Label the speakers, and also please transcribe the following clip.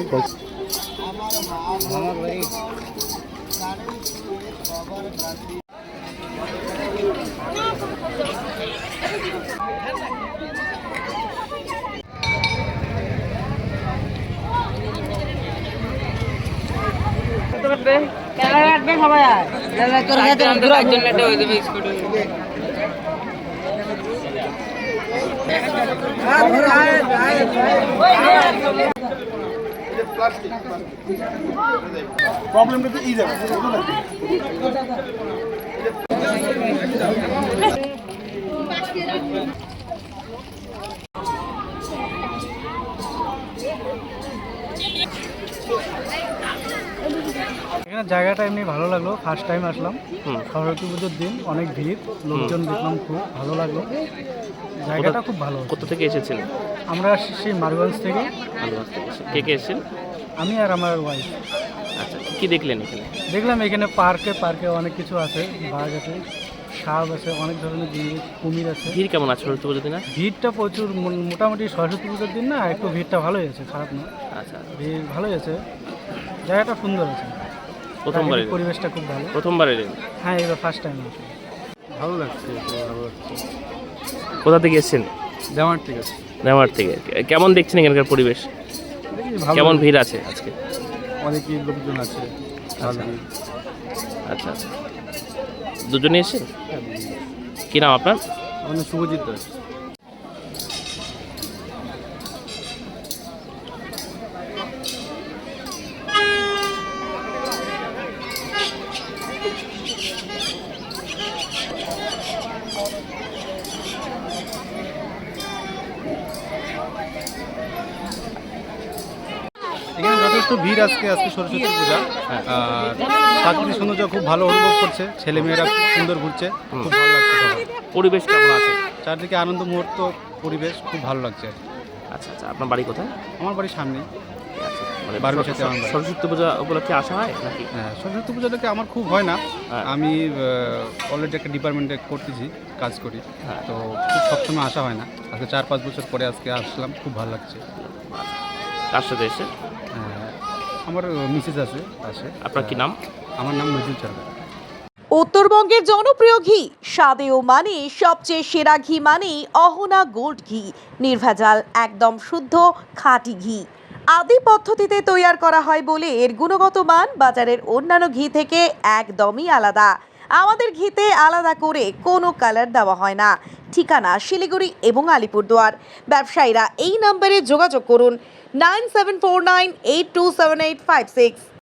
Speaker 1: প্রবলেমটা তো ইজি আছে এখানে জায়গাটা এমনি ভালো লাগলো। ফার্স্ট টাইম আসলাম, সরস্বতী পুজোর দিন, অনেক ভিড়, লোকজন দেখলাম, খুব ভালো লাগলো। জায়গাটা খুব ভালো।
Speaker 2: কোথা থেকে এসেছিলেন?
Speaker 1: আমরা আসছি মারগঞ্জ থেকে।
Speaker 2: মারগঞ্জ থেকে কে কে এসেছেন?
Speaker 1: আমি আর আমার ওয়াইফ।
Speaker 2: আচ্ছা, কি দেখলেন এখানে?
Speaker 1: দেখলাম এখানে পার্কে অনেক কিছু আছে, বাঘ আছে, সাপ আছে, অনেক ধরনের জিনিস, কুমির আছে।
Speaker 2: ভিড় কেমন আছে সরস্বতী পুজোর দিন?
Speaker 1: ভিড়টা প্রচুর, মোটামুটি সরস্বতী পুজোর দিন না, একটু ভিড়টা ভালোই আছে, খারাপ না।
Speaker 2: আচ্ছা,
Speaker 1: ভিড় ভালোই আছে, জায়গাটা সুন্দর আছে।
Speaker 2: প্রথমবার
Speaker 1: পরিবেশটা খুব ভালো।
Speaker 2: প্রথমবার এলেন?
Speaker 1: হ্যাঁ, এবার ফার্স্ট টাইম আছে। ভালো লাগছে, ভালো লাগছে।
Speaker 2: কোথা থেকে এসেছেন?
Speaker 1: দেওয়ার থেকে।
Speaker 2: দেওয়ার থেকে। কেমন দেখছেন এখানকার পরিবেশ? কেমন ভিড় আছে আজকে?
Speaker 1: অনেকই লোকজন আছে।
Speaker 2: আচ্ছা আচ্ছা, দুজনে এসে। কি নাম আপনার?
Speaker 1: আমার নাম শুভজিৎ দাস। এখানে যথেষ্ট ভিড় আজকে সরস্বতী পূজা। আর প্রাকৃতিক সৌন্দর্য খুব ভালো অনুভব করছে, ছেলেমেয়েরা খুব সুন্দর ঘুরছে, খুব ভালো লাগছে।
Speaker 2: পরিবেশ কেমন আছে?
Speaker 1: চারদিকে আনন্দ মুহূর্ত, পরিবেশ খুব ভালো লাগছে।
Speaker 2: আচ্ছা আচ্ছা, আপনার বাড়ি কোথায়?
Speaker 1: আমার বাড়ির সামনে।
Speaker 2: আচ্ছা, মানে
Speaker 1: সরস্বতী
Speaker 2: পূজা উপলক্ষে আসা হয় নাকি?
Speaker 1: হ্যাঁ, সরস্বতী পূজাটাকে আমার খুব হয় না। আমি অলরেডি একটা ডিপার্টমেন্টে করতেছি, কাজ করি, তো খুব সবসময় আসা হয় না। আজকে 4-5 বছর পরে আজকে আসলাম, খুব ভালো লাগছে।
Speaker 2: কার সাথে এসে?
Speaker 1: আমার মিসেস আছে পাশে।
Speaker 2: আপনার কি নাম?
Speaker 1: আমার নাম নজরুল সরকার।
Speaker 3: উত্তরবঙ্গের জনপ্রিয় ঘি, স্বাদে ও মানে সবচেয়ে সেরা ঘি মানে অহনা গোল্ড ঘি। নির্ভেজাল, একদম শুদ্ধ খাঁটি ঘি। আদি পদ্ধতিতে তৈয়ার করা হয় বলে এর গুণগত মান বাজারের অন্যান্য ঘি থেকে একদমই আলাদা। আমাদের ঘিতে আলাদা করে কোনো কালার দেওয়া হয় না। ঠিকানা শিলিগুড়ি এবং আলিপুরদুয়ার। ব্যবসায়ীরা এই নম্বরে যোগাযোগ করুন 9749827856।